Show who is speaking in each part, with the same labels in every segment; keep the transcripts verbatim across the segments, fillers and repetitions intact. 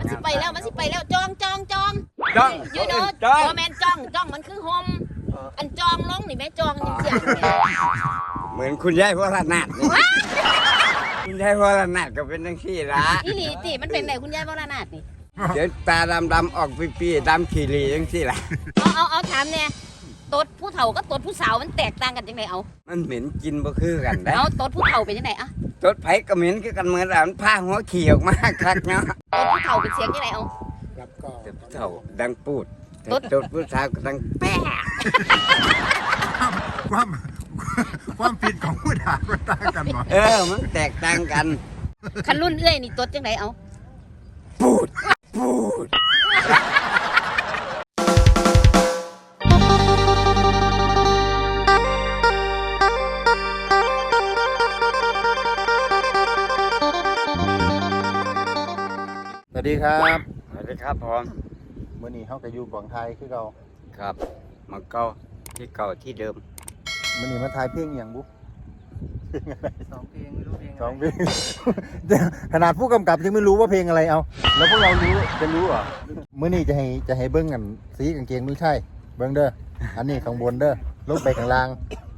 Speaker 1: สิไปแล้วมันสิไปแล้วจองจองจอง
Speaker 2: จ้อง
Speaker 1: ยูโน่
Speaker 2: จ้อง
Speaker 1: โอแมนจองจองมันคือโฮมอันจองลงนี่แม่จองยังเสีย
Speaker 2: เหมือนคุณยายพวกระนาดนี่คุณยายพวกระนาดก็เป็นทั้งที่ละ
Speaker 1: อีหลีติมันเป็นไหนคุณยายบรนาถนี่
Speaker 2: เดี๋ยวตาดำดำๆออกปีๆดำขีรีทั้งที่ละ
Speaker 1: เอาเอาเอาถามเนี่ยตดผู้เฒ่ากับตดผู้สาวมันแตกต่างกันจังไดเอา
Speaker 2: มันเหม็นกินบ่คือกันได้
Speaker 1: เอาตดผู้เฒ่าเป็นจังไดอะ
Speaker 2: รถไผก็เหม็นคือกันเหมือนอ่ะมันพาหัวขี่ออกมาคักเนาะ
Speaker 1: ตดผู้เฒ่าเป็นเสียงจังไดเอา
Speaker 3: ครับก็
Speaker 2: แต่ผู้เฒ่าดังปูดแต่
Speaker 1: รถ
Speaker 2: รถผู้สาวก็ดังแป๊ะ
Speaker 4: ความความผิดของผู้ด่าก็ต่างกันหมด
Speaker 2: เออมันแตกต่างกัน
Speaker 1: คันรุ่นเอื้อยนี่ตดจังไดเอา
Speaker 2: ปูดปูด
Speaker 4: สวัสดีครับ
Speaker 2: สวัสดีครับผม
Speaker 4: เมื่อนี้เขาก็อยู่กวางไทยคือเรา
Speaker 2: ครับมาเก่าที่เก่าที่เดิม
Speaker 4: เมื่อนี้มาทายเพลงอหย่างบุ๊
Speaker 3: สองเพลงไม่รู้เพลง
Speaker 4: สองเพลง เดี๋ยวขนาดผู้กำกับยังไม่รู้ว่าเพลงอะไรเอา แล้วพวกเรารู้จะรู้เหรอเมื่อนี้จะให้จะให้เบิ้งกันสีกางเกงไม่ใช่เบิ้งเด้ออันนี้ข้างบนเด้อลงไปข้างล่าง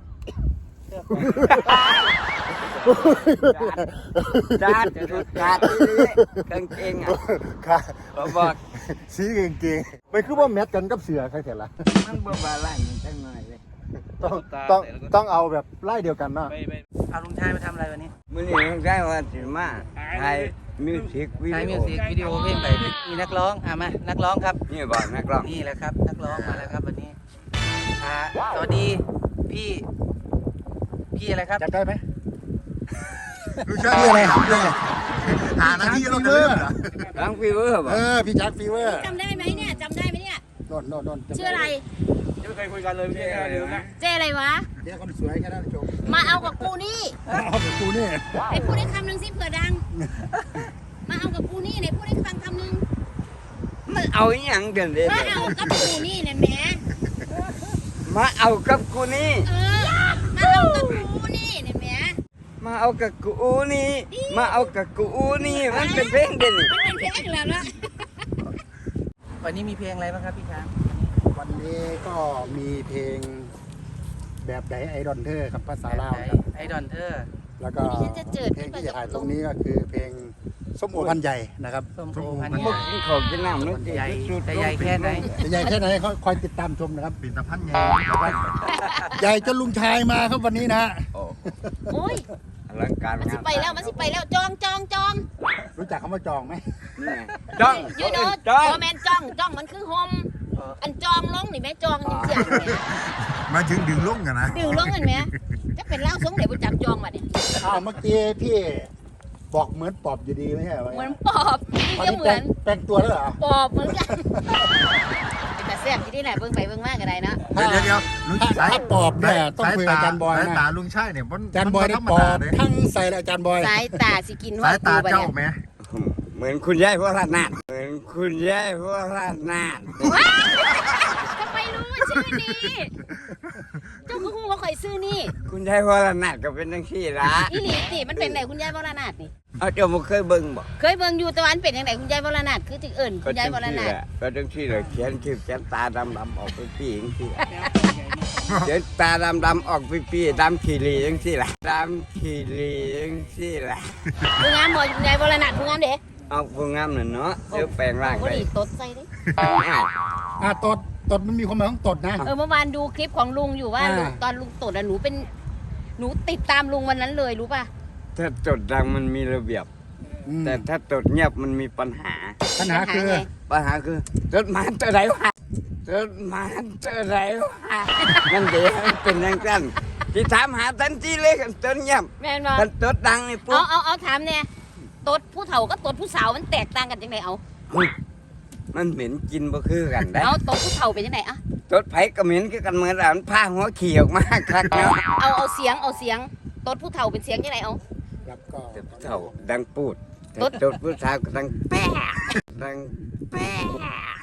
Speaker 2: จาดจะถูกจาดที่นี่กางเกงอ่ะ
Speaker 4: ค่ะ
Speaker 2: ผมบอก
Speaker 4: สีกางเกงไม่คือว่าแมทกันกับเสือใครเถอะล่ะ
Speaker 2: มันบ่บาลานซ์มันจังหน่อยเลย
Speaker 4: ต้องต้องต้องเอาแบบไล่เดียวกันเนาะ
Speaker 3: เอาลุงชายมาทำอะไรวันนี้
Speaker 2: มื้อนี้ต้องได้ว่าสิมาถ่ายมิวสิกวิ
Speaker 3: ถ่าย
Speaker 2: ดี
Speaker 3: มิ
Speaker 2: โอ
Speaker 3: วสิกวิดีโอเพลงไปมีนักร้องอ่ะมานักร้องครับ
Speaker 2: นี่บอกนักร้อง
Speaker 3: นี่แหละครับนักร้องมาแล้วครับวันนี้อ่าสวัสดีพี่พี่อะไรครับ
Speaker 4: จัดได้ไหมรู้ชื่ออะไรชื่ออะไรหาหน้าที่เราเด้อ
Speaker 2: ร้องฟีเวอร์บ่
Speaker 4: เออพี่จัดฟีเวอร์
Speaker 1: จำได้ไหมเนี่ยจำได้ไหมเนี่ย
Speaker 4: โดนโดนโดน
Speaker 1: ชื่ออะไร
Speaker 3: ไม่เคยคุยกันเลยพี่เดิมนะ
Speaker 1: เจอะไรวะ
Speaker 4: เดี๋ยวคนสวยแค่นั้นจบ
Speaker 1: มาเอากับกูนี่
Speaker 4: เอาไปกูนี่
Speaker 1: ไอ้พูดได้คำหนึ่งสิเผื่อดัง มาเอากับกูนี่ไหนพูดได้ฟังคำหนึ่ง
Speaker 2: มันเอาอหยังกันเด้
Speaker 1: มาเอากับกูนี่เนี่ยแหม่
Speaker 2: มาเอากับกูนี่
Speaker 1: เออมาเอากับกูนี่เนี่ยแหม่
Speaker 2: มาเอากับกูนี่ มาเอากับกูนี่ มันเป็นเพลงเด่น
Speaker 1: มันเป็นเพลงแล้วนะ
Speaker 3: วันนี้มีเพลงอะไรบ้างครับพี่ช้าง
Speaker 4: วันนี้ก็มีเพลงแบบไดไอดอนเธอครับภาษาลาวครับ
Speaker 3: ไอดอนเธอ
Speaker 4: แล้วก็เพลงที่จะถ่ายตรงนี้ก็คือเพลงส้มโอพันใหญ่นะครับ
Speaker 3: ส้มโอพัน
Speaker 2: มัน
Speaker 3: ให
Speaker 2: บ
Speaker 3: ญ่
Speaker 2: อกกินข้าวกินน้ำนึก
Speaker 3: ใหญ่แต่ใหญ่แค่ไหน
Speaker 4: จะใหญ่แค่ไหนเขาคอยติดตามชมนะครับปิ่นตะพันใหญ่ใหญ่จนลุงชายมาครับวันนี้นะ
Speaker 2: โอ้
Speaker 1: โอ้ย
Speaker 2: อลังการ
Speaker 1: มันสิไปแล้วมันสิไปแล้วจองจองจอง
Speaker 4: รู้จักคำว่าจองไหม
Speaker 2: นี่จ้อง
Speaker 1: ยูโน่
Speaker 2: จ้อง
Speaker 1: โอแมนจองจองมันคือโฮมอันจองลงนี่แม่จองยังเสีย
Speaker 4: มาถึงดึงลุ่งกันนะ
Speaker 1: ดื่มลงเห็นไหมจะเป็นเล่าสงเดี๋ยวไปจับจองมาเนี่ย
Speaker 4: อ้าวเมื่อกี้พี่บอกเหมือนปอบอยู่ดีไม่ใช่เหรอ
Speaker 1: เหมือนปอบนี่
Speaker 4: ตอน
Speaker 1: ก็
Speaker 4: นี้
Speaker 1: เหมื
Speaker 4: แปล
Speaker 1: อง น
Speaker 4: แปลงตัวแล้วเหรอ
Speaker 1: ปอบเหมือนกันเป็นแต่แซ่บที่นี่แหละเบิ่งไปเบิ่งมากก็ได้นะ
Speaker 4: ถ้า
Speaker 5: เดี๋ยวเดี๋ยวลุง
Speaker 4: ถ้า
Speaker 5: สาย
Speaker 4: ถ้าปอบเนี่ยต้องคุยกับอาจารย์บอย
Speaker 5: สายตา
Speaker 4: นะ
Speaker 5: ลุงใช่เนี่ยมัน
Speaker 4: อาจารย์บอยนี่ปอบทั้งใส่เลยอาจารย์บอย
Speaker 1: สายตาสิกิน
Speaker 5: สา
Speaker 1: ว่าย
Speaker 5: ตา
Speaker 1: กูไป
Speaker 5: เจ้า
Speaker 1: เนี่ย
Speaker 5: ไหม
Speaker 2: เหมือนคุณยายพวกระนาดเหมือนคุณยายพวกระนาด
Speaker 1: ทำไมรู้ว่าชื่อนี้เจ้าก็ฮู้ว่าข่อยซื้อนี่
Speaker 2: คุณยายพวกระนาดก็เป็นทั้งที่ละ
Speaker 1: อีหลีติมันเป็นไหนคุณยายวรนาถนี่
Speaker 2: เอาเจ้าบ่เคยเบิ่งบ่
Speaker 1: เคยเบิ่งอยู่แตะวันเป็นยังไงคุณยายวรนาถคือถึงเอิ่นคุณยายวรนาถ
Speaker 2: ก็จังที่เลยเขียนชื่อเขียนตาดำดำๆออกไปปีจังที่เขียนตาดำดำๆออกไปปีดำขีรีจังที่ละดำขีรีจังที่ละ
Speaker 1: ผู้งามบ่คุณยายวรนาถผู้งามเด้
Speaker 2: เอาผู้งามน่ะเนาะเดี๋ยวแปลงร่าง
Speaker 1: บ่
Speaker 2: ได้
Speaker 1: ดีตดใส่เด้
Speaker 2: อ้าว
Speaker 4: อ่ะตดตดมันมีความหมายของตดนะ
Speaker 1: เออเมื่อวานดูคลิปของลุงอยู่ว่า
Speaker 4: อ่า
Speaker 1: ลุงตอนลุงตดอะหนูเป็นหนูติดตามลุงวันนั้นเลยรู้ป่ะ
Speaker 2: ถ้าจดดังมันมีระเบียบ
Speaker 4: อืม
Speaker 2: แต่ถ้าจดเงียบมันมีปัญหา
Speaker 4: ปัญหาคือ
Speaker 1: ไง
Speaker 2: ปัญหาคือจดหมายตัวไหนวะจดหมายตัวไหนวะนั่นเดี๋ยวมันเป็นอย่างนั้นที่ถามหาทันทีเลยกันจนเงียบ
Speaker 1: แม่นบ่
Speaker 2: กันจดดังนี่ปุ๊
Speaker 1: เอา
Speaker 2: บ
Speaker 1: เอาเอาถามเนี่ยตดผู้เฒ่ากับตดผู้สาวมันแตกต่างกันจังไดเอา
Speaker 2: มันเหม็นกินบ่คือกันได้
Speaker 1: เอาตดผู้เฒ่าเป็นจังไดอะ
Speaker 2: จดไผก็เหม็นคือกันเหมือนอ่ะมันพาหัวขี่ออกมาคักเนาะ
Speaker 1: เอาเอาเสียงเอาเสียงตดผู้เฒ่าเป็นเสียงจังไดเอา
Speaker 4: ครับก็
Speaker 2: แต่ผู้เฒ่าดังปูดแต่
Speaker 1: จด
Speaker 2: จดผู้สาวก็ดังแป๊ะดังแป๊ะ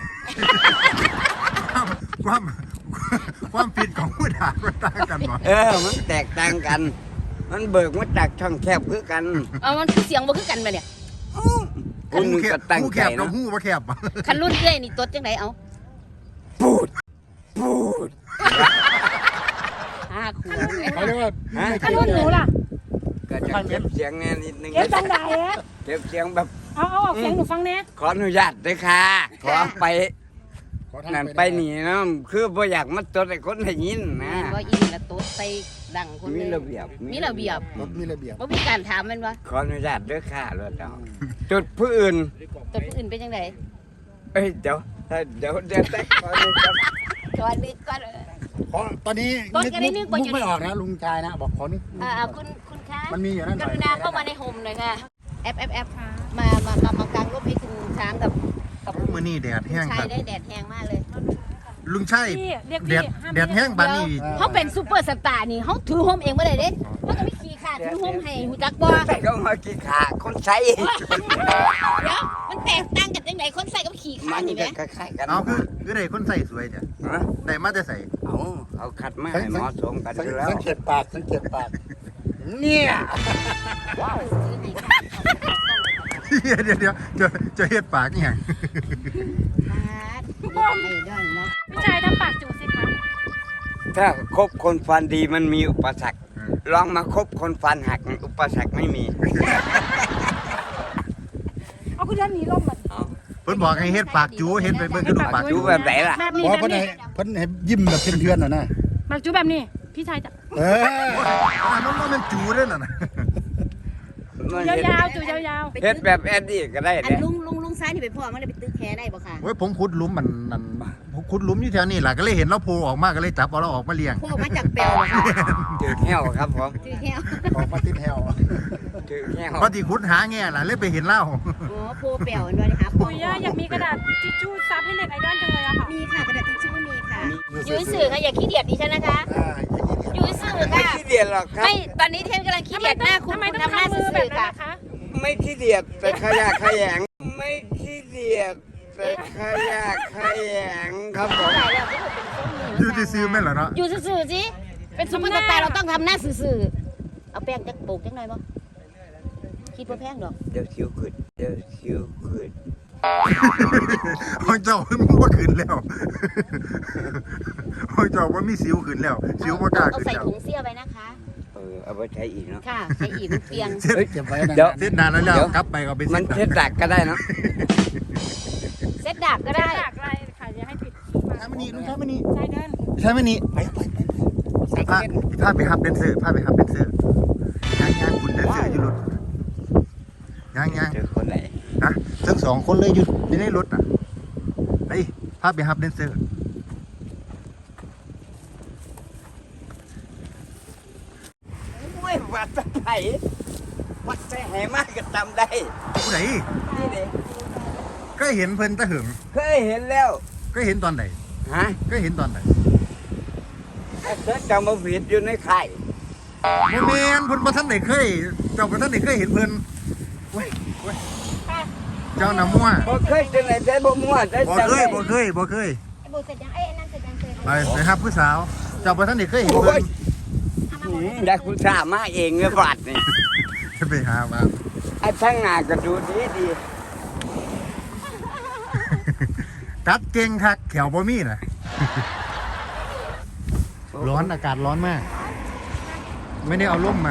Speaker 5: ความความผิดของผู้ด่าก็ต่างกันหมด
Speaker 2: เออมันแตกต่างกัน มันเบิกมาจากช่องแคบคือกัน
Speaker 1: เอามันคือเสียงบ่คือกันไปเนี่ย
Speaker 2: อู้คนหนึงก็ตั้ง
Speaker 5: หูแค
Speaker 2: ใจ
Speaker 5: บกับ
Speaker 2: เนาะ
Speaker 5: หูบ่แคบ
Speaker 1: คันรุ่นเอ้ยนี่ตดจังไดเอา
Speaker 2: พูดพูด
Speaker 1: ห้าขวบ
Speaker 5: เขาเรียกว่า
Speaker 2: ฮะ
Speaker 6: คันรุ่นหนูล่ะ
Speaker 2: ก็จะเก็บเสียงแน่นิดนึง
Speaker 6: เก็บจังไดอะ
Speaker 2: เก็บเสียงแบบ
Speaker 6: เอาเอาออกเสียงหนูฟังแน่
Speaker 2: ขออนุญาตด้วยค่ะขอไป
Speaker 5: ขอทาง
Speaker 2: นั่นไปหนีเนาะคือบ่อยากมาตดให้คนได้ยินนะ
Speaker 1: ว่าอีนี่ละตดใส่ดังคน
Speaker 2: มี
Speaker 1: เลย
Speaker 2: ระเบียบ
Speaker 1: มีระเบียบ
Speaker 5: รถมีระเบียบ
Speaker 1: บ่มีการถามแมันว่า
Speaker 2: ขออนุญาตด้วยค่ะรถเอาจุดผู้อื่น
Speaker 1: ตดผู้อื่นเป็นจังได
Speaker 2: เอ้ยเดี๋ยวเดี๋ยวเดี๋ยวแต่ขออนุญาต
Speaker 1: ก่อนนึกก่อนเออ
Speaker 5: ขอตอนนี้
Speaker 1: ก่อนจะได้นึกว่า
Speaker 5: มุ
Speaker 1: จะ
Speaker 5: กไม่ออกนะลุงชายนะบอกขอนึก
Speaker 1: อ่าคุณคุณคะ
Speaker 5: มันมีอยู่นั่นห
Speaker 1: ก
Speaker 5: น่อย
Speaker 1: รุณาเข้ามาในโฮมหน่อยค่ะแอปแอปแอปมามามามากางร่มให้คุณช้างกับกับ
Speaker 4: มื้อนี้แดดแห้ง
Speaker 1: ชา
Speaker 4: ครั
Speaker 1: ย
Speaker 4: บ
Speaker 1: ได้แดดแห้งมากเลย
Speaker 4: ลุงชัย
Speaker 6: พี่เรียก
Speaker 4: แด
Speaker 6: พี่
Speaker 4: ด
Speaker 6: ห้าม
Speaker 4: แดดแห้งบานนี้
Speaker 1: เขาเป็นซูเปอร์สตาร์นี่เขาถือโฮมเองบ่ได้เด้เขาก็ไม่ขี่ขาถือโฮมให้หูจักบ่
Speaker 2: แต่ก็มากี่ขาคนใช้
Speaker 1: เดี๋ยวมันแตกต่างกันจังไดคนใส่กับขี่ขา
Speaker 2: มัน
Speaker 1: นี่แหม
Speaker 2: ก็คล้ายๆกัน
Speaker 4: เอาคือคือได้คนใส่สวยจ้ะ
Speaker 2: ฮะ
Speaker 4: ได้มาแต่ใส่
Speaker 2: เอาเอาคัดมาให้เหมาะสมกันอยู่แล้ว
Speaker 5: สังเกตปากสังเกตปากเนี่ย
Speaker 4: เดี๋ยวเดี๋ยวจะจะเฮ็ดปากอีหยัง
Speaker 1: ไม่ได้นะ
Speaker 6: พี่ชายทำปากจูสิคะ
Speaker 2: ถ้าคบคนฟันดีมันมีอุปสรรคลองมาคบคนฟันหักอุปสรรคไม่มี
Speaker 6: เอาคุณเดินหนีลมมัน
Speaker 2: เอา
Speaker 4: เพิ่นบอกให้เฮ็ดปากจูเฮ็ดไปเบิ่งกระดูกปาก
Speaker 2: ดู
Speaker 4: จู
Speaker 2: แบบไหนล่ะ
Speaker 6: แบบ
Speaker 5: บ
Speaker 6: นี้
Speaker 5: อก
Speaker 6: แบบ
Speaker 5: เพิ่น
Speaker 6: นี้
Speaker 5: ให้เพิ่นให้ยิ้มแบบเพื่อนๆน่ะนะ
Speaker 6: ปากจูแบบนี้ พี่ชายจะ
Speaker 5: เออ
Speaker 4: อันนั้นมันจูเด้อน่ะนะ
Speaker 2: มัน
Speaker 6: ยา
Speaker 2: เฮ็ด
Speaker 6: วๆจูยาว
Speaker 2: เฮ็ดแบบแอดดี้ก็ได้
Speaker 1: อัน
Speaker 2: เนี่ย
Speaker 1: ลุงลุงลุงซ้ายนี่ไปพ่อมันเลยไปตึกแคได้บ่ค่ะ
Speaker 4: โอ้ยผมขุดหลุมมันนั่นขุดหลุมอยู่แถวนี้ล่ะก็เลยเห็นเราโผล่ออกมาก็เลยจับเอาเราออกมาเลี้ยง
Speaker 1: พ่อมาจากเปลวเหรอคะ
Speaker 2: ถือแห้วครับผม
Speaker 1: ชื่อแค่
Speaker 5: ออกมาติดแถว
Speaker 2: ถือแห้ว
Speaker 4: พอที่ขุดหาแง่ล่ะเลยไปเห็นเล่า
Speaker 1: อ๋อโพเปลวด้วยนะคะ
Speaker 6: ๆปุยย่าอยากมีกระดาษทิชชู่ซับให้เน็ตไอดอลจังเลยอะค่ะ
Speaker 1: มีค่ะกระดาษทิชชู่มีค่ะยืนสื่อค่ะอย่าขี้เดียดดิฉันนะคะ
Speaker 5: อ่าอย่างนี้
Speaker 1: ยืนสื่อ
Speaker 2: ไม่
Speaker 1: ค่ะ
Speaker 2: ขี้เดียดหรอกครับ
Speaker 1: ไม่ตอนนี้เทนกำลังขี้เดียดหน้าคุณ
Speaker 6: ทำไม
Speaker 1: คุณ
Speaker 6: ต้อง
Speaker 1: ทำหน้า
Speaker 6: ทำมื
Speaker 1: สื่
Speaker 6: อแบบ
Speaker 1: อๆ
Speaker 6: นั้น
Speaker 1: ค่ะ
Speaker 6: นะคะ
Speaker 2: ไม่ขี้เดียดแต่ขยะแขยงไม่ขี้เดียดแต่ขยะแขยงครับผม
Speaker 1: ตายแล้วก็เป็นส้มมื
Speaker 4: อยู่ที่ซื้อแม่นเหรอเนาะ
Speaker 1: อยู่สื่อๆสิเป็นซุปเปอร์สตาร์เราต้องทำหน้าสื่อๆเอาแป้งจักโปกจังหน่อยบ่คิดว่าแพงดอก
Speaker 2: เดี๋ยวคิวขึ้นเดี๋ยวคิวขึ้น
Speaker 4: ของเจ้ามันบ่ขึ้นแล้วของเจ้ามันมีสิวขึ้นแล้ว สิวบ่กล้า
Speaker 1: เอา
Speaker 4: ขึ้น
Speaker 1: ใส่
Speaker 4: แล้ว
Speaker 1: ถุงเสี้ยไว้นะคะ
Speaker 2: เออเอาไปใช้อีกเนาะ
Speaker 1: ค่ะใส่อีกมันเปียง
Speaker 5: เฮ้ยเก็บไว้นะ
Speaker 2: เดี๋ยว
Speaker 4: เส้นนานแล้วแล้ว
Speaker 2: เดี๋ยว
Speaker 4: กลับไปก็ไป
Speaker 2: มัน
Speaker 4: เส้น
Speaker 2: เทสดักก็ได้เนาะ
Speaker 1: เซ็ตดาบก็
Speaker 6: ได้
Speaker 1: ได้
Speaker 6: จากอะไรค่ะอย่าให้ผิด
Speaker 4: ใช่ไหมนี่ลุงใช่ไหมนี่
Speaker 6: ชายเดิน
Speaker 4: ใช่ไหมนี่
Speaker 5: ไปไปไปไป
Speaker 4: พาพาไปฮับเดนเซอร์พาไปฮับเดนเซอร์ย่างย่างคุณเดนเซอร์อยู่รถย่างย่าง
Speaker 2: เจอคนไหน
Speaker 4: นะทั้งสองคนเลยอยู่อยู่ในรถอ่ะไปพาไปฮับเดนเซอร์
Speaker 2: โอ้ยวัดตะไคร้วัดใส่ไหมากก็จำได้
Speaker 4: ผู้ใด
Speaker 2: นี่เด็ก
Speaker 4: ก็เห็นเพิ่นตะหึง
Speaker 2: เคยเห็นแล้ว
Speaker 4: ก็เห็นตอนไหน
Speaker 2: ฮะ
Speaker 4: ก็เห็นตอนไหน
Speaker 2: เธอจำมาผิดอยู่ในไข่
Speaker 4: โมเมนเพิ่นบ่ทันได้เคยเจ้าบ่ทันได้เคยเห็นเพิ่นเว้ยเว้ยเจ้าน้ำมั่ว
Speaker 2: บ่เคยจะไหนใจบ่มั่วใจ
Speaker 4: บ่
Speaker 2: จำ
Speaker 4: เคย
Speaker 2: ได้
Speaker 4: บ่เคยบ่เคย
Speaker 1: ไอ้โบเสร็จยังไอ้นั่นเสร็จยังเสร็จ
Speaker 4: ไปไปครับผู้สาว เจ้าบ่ทันได้เคยเห็น
Speaker 2: โอ้
Speaker 4: เพิ่
Speaker 2: ย
Speaker 4: น
Speaker 2: หืมได้คุณสามาเองเงือบาดนี่
Speaker 4: ไปหามา
Speaker 2: ไอ้ทั้งงานก็ดูดีดี
Speaker 4: กัดเก่งคักแขวบ่มีน่ะร้อนอากาศร้อนมาก ไม่ได้เอาร่มมา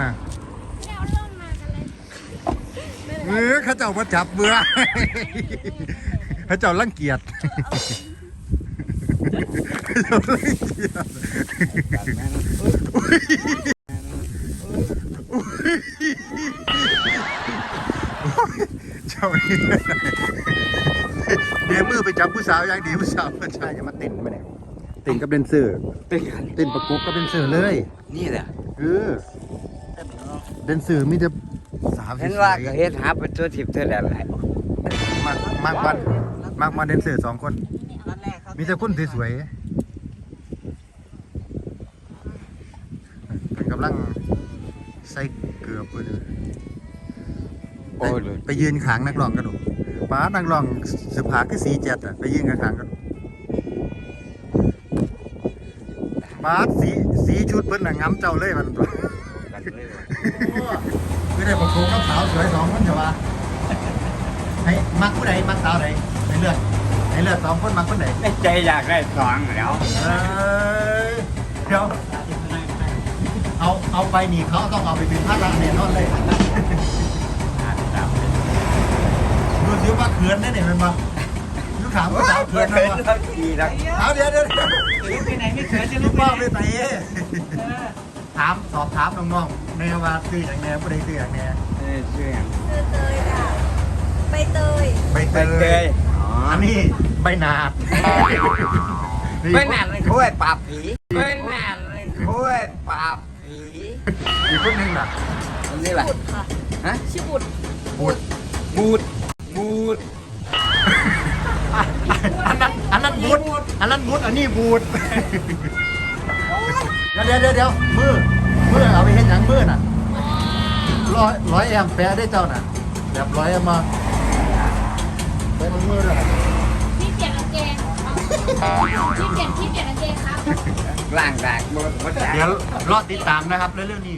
Speaker 4: เออเขาเจ้ามาจับเบื่อ เขาเจ้ารังเกียจ เขาเจ้ารังเกียจเจ้านี่เดี๋ยวมือไปจับผู้สาวอย่างดีผู้สาวมันใช่จะมาเต้นมาเนี่ยเต้นกับเดนเซอร์
Speaker 2: เป็นกัน
Speaker 4: เต้นประกบกับเดนเซอร์เลย
Speaker 2: นี่แหละ
Speaker 4: เออเดนเซอร์มีแต่สาว
Speaker 2: เห็นว่าก็เฮ็ดหาเป็นตัวทิพย์เท่าไหร่หลาย
Speaker 4: มากมากกว่ามากกว่าเดนเซอร์สองคน มีแต่คนสวยๆเป็นกำลังใส่เกลือเพื่อนเลย
Speaker 2: โอ้ย
Speaker 4: ไปยืนขางนักร้องกันดูป้านักร้องสืบหาคือสีเจ็ดอ่ะไปยืนกันขางกันป้าสีสีชุดเพิ่นน่ะง้ำเจ้าเลยมันตัว
Speaker 2: กันเลยว่ะ
Speaker 4: ไม่ได้ประกบกับสาวสวยสองคนใช่ปะให้มักผู้ใดมักสาวใดให้เลือกให้เลือกสองคนมักคนไหน
Speaker 2: ในใจอยากได้สองแล้ว
Speaker 4: เอ้ยเดี๋ยวเอาเอาไปนี่เขาต้องเอาไปเป็นพระราแน่นอนเลยดูสิว่าเขินได้เนี่ยมันมาลูกถามว่าสาวเขินไหม
Speaker 2: เขิน
Speaker 4: วะ
Speaker 2: เขาดีแล้ว
Speaker 4: เอาเดี๋ยวเดี๋ยว
Speaker 3: จะลุกไปไหนไม่เขินจะลุ
Speaker 4: ลู
Speaker 3: ก
Speaker 4: ก
Speaker 3: ไป
Speaker 4: พ่อ
Speaker 3: ไหน
Speaker 4: ไปไหนถามสอบถามน้องๆแม่ว่าซื้ออย่างแน่ผู้ใดซื้ออย่างแน่
Speaker 2: เออชื่อหยัง
Speaker 7: คือเตยค่ะใบเตย
Speaker 4: ใบเต
Speaker 2: ใบเต
Speaker 4: ย
Speaker 2: ยอ๋อ
Speaker 4: อันนี้ใบหนาด
Speaker 2: ไม่นานเลยคุ้ยปราบผีไม่นานเลยคุ้ยปราบผี
Speaker 4: อีกคนหนึงน่ะ
Speaker 2: อันนี้แหละ
Speaker 7: บุตรค่ะ
Speaker 2: ฮะ
Speaker 7: ชื่อบุตร
Speaker 4: บูด
Speaker 2: บูดบูด
Speaker 4: อันนั้นอันนั้นบูดอันนั้นบูดอันนี้บูดเดี๋ยวเดี๋ยวเดี๋ยวเดี๋ยวมือมือเอาไปเห็นหยังมือน่ะร้อยร้อยแอมแปะได้เจ้าน่ะแบบร้อยแอมมาไปมันมือด้วย
Speaker 6: พี่เปลี่ยนกางเกงพี่เปลี่ยนพี่เปลี่ยนกางเกงครับ
Speaker 2: ล่างแตกหมดหมดแตก
Speaker 4: เดี๋ยวรอติดตามนะครับเรื่องนี้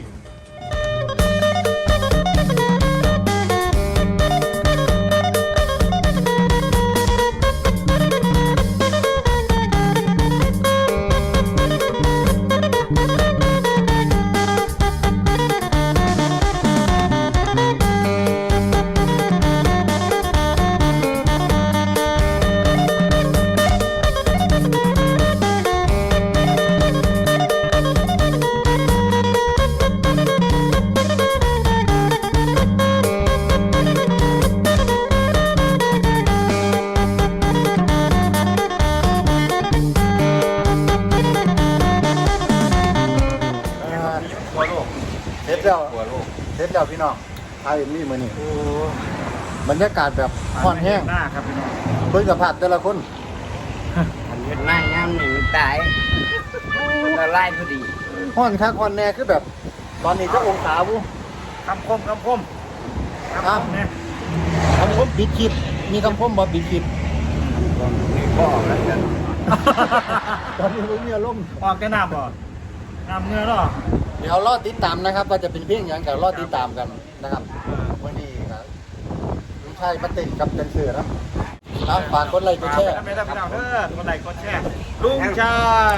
Speaker 4: เสร็จแล้วเสร็จแล้วพี่น้องทายมีมือนี่บรรยากาศแบบค่อนแห้ง
Speaker 5: หน้าครับพี่น้อง
Speaker 4: เบิ่งสภาพแต่ละคน
Speaker 2: มันเป็นหน้าย่ำหนึ่งตายละลายพอดี
Speaker 4: ห้อนคักห้อนแน่คือแบบ ตอนนี้เจ้าองศาบุ
Speaker 5: คำคมคำคม
Speaker 4: ครับคำคมบิดคลิปมีคำคมบ่บิดคลิป
Speaker 2: นี่พ่อแล้วกัน
Speaker 4: ตอนนี้ผมมีอารมณ์
Speaker 5: ออกแค่น้ำบ่น้ำเนื้อหรอ
Speaker 4: เดี๋ยวรอติดตามนะครับว่าจะเป็นเพียงอย่างกับรอติดตามกันนะครับวันนี้ครับลุงชายมาติดกับเจนเสือนะตามฝากกดไลค์กดแชร์
Speaker 5: ไม่ได้พี่น้องเด้อกดไลค์กดแชร์ลุงชาย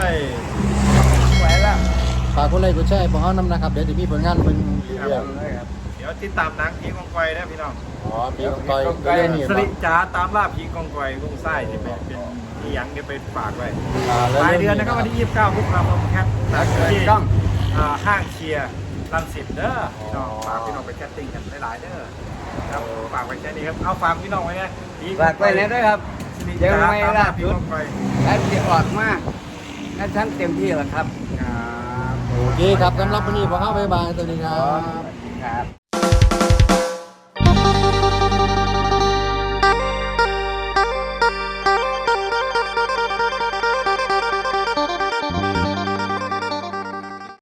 Speaker 2: ไหวแล้ว
Speaker 4: ฝากกดไลค์กดแชร์พวกเขานำนะครับเดี๋ยวจะมีผลงานเป็นเรื่อง
Speaker 5: เดี๋ยวติดตามหนังผีกองกอยนะพี่น้อง
Speaker 4: อ๋อปีกองกอยเรื่องนี้
Speaker 5: สริจ๋าตามล่าผีกองกอยลุงไส้ที่เป็นเป็นที่ยังเดี๋ยวไปฝากไว้
Speaker 4: อ่าแล้ว
Speaker 5: ปลายเดือนนะครับวันที่ยี่สิบเก้าพฤษภาคมครับ
Speaker 2: ถ้าเกิด
Speaker 5: ที่
Speaker 2: กล้อง
Speaker 5: อ่าห้างเชียร์รังสิตเด้อพี่น้องฝากพี่น้องไปแคสติ้งกันหลายๆเด้อครับฝากไว้แค่นี้ครับเอาฝากพี่น้องไว้นะ
Speaker 2: ฝากไว้นะด้วยครับ ยังไม่ล่าสุด แล้วจะออกมาแล้วฉันเต็มที่แล้วครับ
Speaker 4: โอเคครับสำหรับวันนี้พวกเขาบ๊ายบายสวัสดีครับ
Speaker 2: ครับ